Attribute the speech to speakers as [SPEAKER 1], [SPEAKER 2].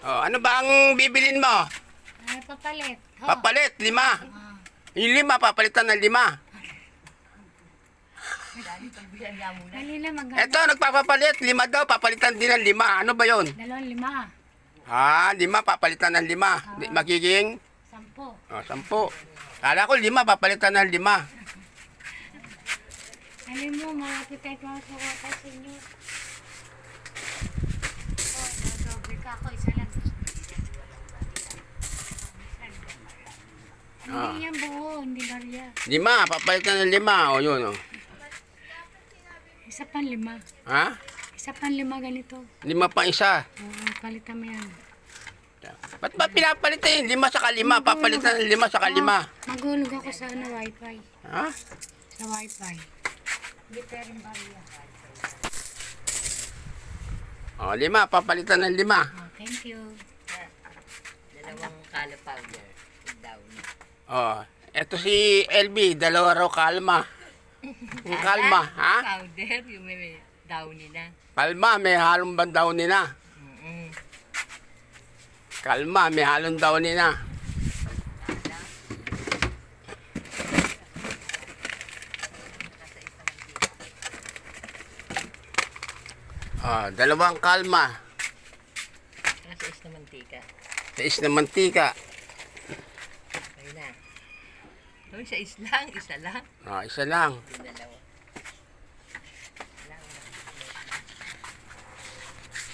[SPEAKER 1] Oh, ano ba ang bibilin mo?
[SPEAKER 2] Ay, papalit. Oh.
[SPEAKER 1] Papalit, 5.
[SPEAKER 2] Ah.
[SPEAKER 1] Yung 5, papalitan ng 5.
[SPEAKER 2] Dali na maganda.
[SPEAKER 1] Eto, nagpapapalit. 5 daw, papalitan din ng 5. Ano ba yon?
[SPEAKER 2] 2, 5.
[SPEAKER 1] Ah, 5, papalitan ng 5. Magiging?
[SPEAKER 2] 10.
[SPEAKER 1] Oh, 10. Kala ko 5, papalitan ng 5.
[SPEAKER 2] Alam mo, malapit tayo masukat sa inyo. Oh, dodoble ka ako. Isa lang. Hindi yan buo, hindi barya.
[SPEAKER 1] 5, papalitan ng 5. O, yun, oh.
[SPEAKER 2] Isa pang 5.
[SPEAKER 1] Ha?
[SPEAKER 2] Isa pang 5 ganito.
[SPEAKER 1] 5 pang isa.
[SPEAKER 2] Oo, palitan mo yan.
[SPEAKER 1] Ba't ba pinapalitan yung 5 saka 5? Papalitan ng 5 saka 5.
[SPEAKER 2] Magulog ako sa wifi.
[SPEAKER 1] Ha?
[SPEAKER 2] Sa wifi. Hindi pa rin barya.
[SPEAKER 1] O, 5, papalitan ng 5.
[SPEAKER 2] Oh, thank you.
[SPEAKER 3] Dalawang color powder. Daw na.
[SPEAKER 1] Oh, eto si LB, 2 raw kalma. Yung kalma, ha?
[SPEAKER 3] Powder, yung may downy na.
[SPEAKER 1] Kalma, may halong bandaw nina. Kalma, may halong daw nina. Ah, 2 kalma.
[SPEAKER 3] Nasa is na mantika.
[SPEAKER 1] Tais na mantika.
[SPEAKER 3] Ayun na. Doon sa is lang, isa lang.
[SPEAKER 1] Ah, isa lang.
[SPEAKER 3] Yung dalawa.